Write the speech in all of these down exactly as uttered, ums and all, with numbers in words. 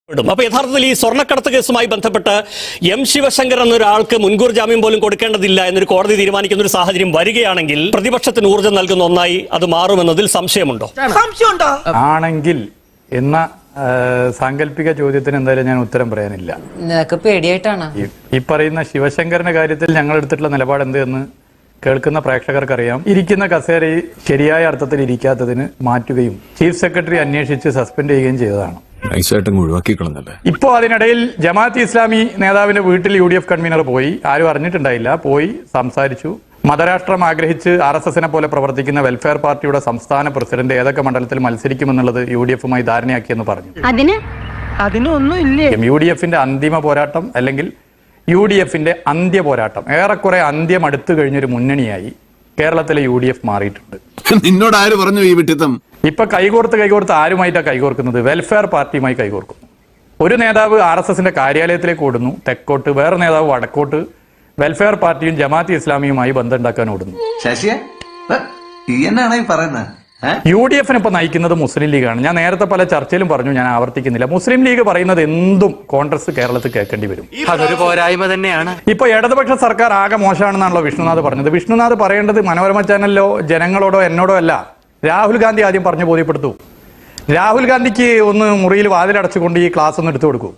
അപ്പൊ യഥാർത്ഥത്തിൽ ഈ സ്വർണ്ണക്കടത്ത് കേസുമായി ബന്ധപ്പെട്ട് എം ശിവശങ്കർ എന്നൊരാൾക്ക് മുൻകൂർ ജാമ്യം പോലും കൊടുക്കേണ്ടതില്ല എന്നൊരു കോടതി തീരുമാനിക്കുന്ന ഒരു സാഹചര്യം വരികയാണെങ്കിൽ പ്രതിപക്ഷത്തിന് ഊർജ്ജം നൽകുന്ന ഒന്നായി അത് മാറുമെന്നതിൽ സംശയമുണ്ടോ? ആണെങ്കിൽ എന്ന സാങ്കല്പിക ചോദ്യത്തിന് എന്തായാലും ഞാൻ ഉത്തരം പറയാനില്ല. പേടിയായിട്ടാണ് ഈ പറയുന്ന ശിവശങ്കറിന്റെ കാര്യത്തിൽ ഞങ്ങൾ എടുത്തിട്ടുള്ള നിലപാട് എന്ത് എന്ന് കേൾക്കുന്ന പ്രേക്ഷകർക്കറിയാം. ഇരിക്കുന്ന കസേരയിൽ ശരിയായ അർത്ഥത്തിൽ ഇരിക്കാത്തതിന് മാറ്റുകയും ചീഫ് സെക്രട്ടറി അന്വേഷിച്ച് സസ്പെൻഡ് ചെയ്യുകയും ചെയ്തതാണ്. ഇപ്പോ അതിനിടയിൽ ജമാഅത്ത് ഇസ്ലാമി നേതാവിന്റെ വീട്ടിൽ യു ഡി എഫ് കൺവീനർ പോയി, ആരും അറിഞ്ഞിട്ടുണ്ടായില്ല, പോയി സംസാരിച്ചു. മതരാഷ്ട്രം ആഗ്രഹിച്ച് ആർ എസ് എസിനെ പോലെ പ്രവർത്തിക്കുന്ന വെൽഫെയർ പാർട്ടിയുടെ സംസ്ഥാന പ്രസിഡന്റ് ഏതൊക്കെ മണ്ഡലത്തിൽ മത്സരിക്കുമെന്നുള്ളത് യു ഡി എഫുമായി ധാരണയാക്കിയെന്ന് പറഞ്ഞു. യു ഡി എഫിന്റെ അന്തിമ പോരാട്ടം അല്ലെങ്കിൽ യു ഡി എഫിന്റെ അന്ത്യ പോരാട്ടം ഏറെക്കുറെ അന്ത്യം അടുത്തു കഴിഞ്ഞൊരു മുന്നണിയായി കേരളത്തിലെ യു ഡി എഫ് മാറിയിട്ടുണ്ട്. നിന്നോട് ആര് പറഞ്ഞു ഈ വിട്ടിത്തം? ഇപ്പൊ കൈകോർത്ത് കൈകോർത്ത് ആരുമായിട്ടാണ് കൈകോർക്കുന്നത്? വെൽഫെയർ പാർട്ടിയുമായി കൈകോർക്കുന്നു. ഒരു നേതാവ് ആർ എസ് എസിന്റെ കാര്യാലയത്തിലേക്ക് ഓടുന്നു തെക്കോട്ട്, വേറെ നേതാവ് വടക്കോട്ട് വെൽഫെയർ പാർട്ടിയും ജമാഅത്ത് ഇസ്ലാമിയുമായി ബന്ധം ഉണ്ടാക്കാൻ ഓടുന്നു. യു ഡി എഫിന് ഇപ്പൊ നയിക്കുന്നത് മുസ്ലിം ലീഗാണ്. ഞാൻ നേരത്തെ പല ചർച്ചയിലും പറഞ്ഞു, ഞാൻ ആവർത്തിക്കുന്നില്ല. മുസ്ലിം ലീഗ് പറയുന്നത് എന്തും കോൺഗ്രസ് കേരളത്തിൽ കേൾക്കേണ്ടി വരും. അതൊരു പോരായ്മ തന്നെയാണ്. ഇപ്പൊ ഇടതുപക്ഷ സർക്കാർ ആകെ മോശമാണെന്നാണല്ലോ വിഷ്ണുനാഥ് പറഞ്ഞത്. വിഷ്ണുനാഥ് പറയേണ്ടത് മനോരമ ചാനലിലോ ജനങ്ങളോടോ എന്നോടോ അല്ല, രാഹുൽ ഗാന്ധി ആദ്യം പറഞ്ഞു ബോധ്യപ്പെടുത്തു. രാഹുൽ ഗാന്ധിക്ക് ഒന്ന് മുറിയിൽ വാതിലടച്ചുകൊണ്ട് ഈ ക്ലാസ് ഒന്ന് എടുത്തു കൊടുക്കൂ.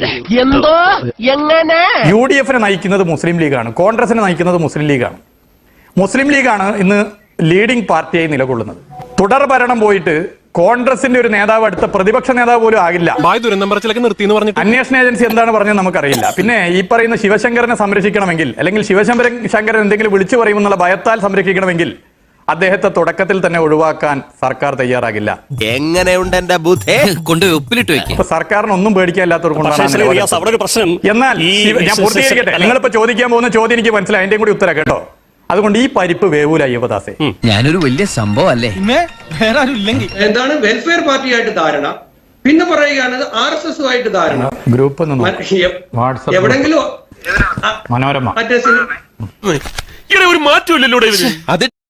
യു ഡി എഫിനെ നയിക്കുന്നത് മുസ്ലിം ലീഗാണ്, കോൺഗ്രസിനെ നയിക്കുന്നത് മുസ്ലിം ലീഗാണ്. മുസ്ലിം ലീഗാണ് ഇന്ന് ലീഡിംഗ് പാർട്ടിയായി നിലകൊള്ളുന്നത്. തുടർ ഭരണം പോയിട്ട് കോൺഗ്രസിന്റെ ഒരു നേതാവ് അടുത്ത പ്രതിപക്ഷ നേതാവ് പോലും ആകില്ല. അന്വേഷണ ഏജൻസി എന്താണ് പറഞ്ഞത് നമുക്കറിയില്ല. പിന്നെ ഈ പറയുന്ന ശിവശങ്കരനെ സംരക്ഷിക്കണമെങ്കിൽ അല്ലെങ്കിൽ ശിവശങ്കരൻ ശങ്കരൻ എന്തെങ്കിലും വിളിച്ചു പറയുമെന്നുള്ള ഭയത്താൽ സംരക്ഷിക്കണമെങ്കിൽ അദ്ദേഹത്തെ തുടക്കത്തിൽ തന്നെ ഒഴിവാക്കാൻ സർക്കാർ തയ്യാറാകില്ല. എങ്ങനെയുണ്ട് എന്റെ ബുദ്ധി കൊണ്ട് ഉപ്പിലിട്ട് വെക്കും. സർക്കാരിന് ഒന്നും പേടിക്കാനില്ലാത്തവർക്കൊണ്ടാണ് പ്രശ്നം. എന്നാൽ ഞാൻ പൂർത്തീകരിക്കട്ടെ. നിങ്ങളിപ്പോ ചോദിക്കാൻ പോകുന്ന ചോദ്യം എനിക്ക് മനസ്സിലായി, അതിന്റെയും കൂടി ഉത്തരം കേട്ടോ. അതുകൊണ്ട് ഈ പരിപ്പ് വേവൂല അയ്യപ്പദാസേ. ഞാനൊരു വലിയ സംഭവം അല്ലേ. എന്താണ് വെൽഫെയർ പാർട്ടിയായിട്ട് ധാരണ, പിന്നെ പറയുകയാണ് ആർ എസ് എസ് ആയിട്ട് ധാരണ. ഗ്രൂപ്പ് എവിടെങ്കിലും മനോരമ മറ്റേ ഒരു മാറ്റമില്ലല്ലോ.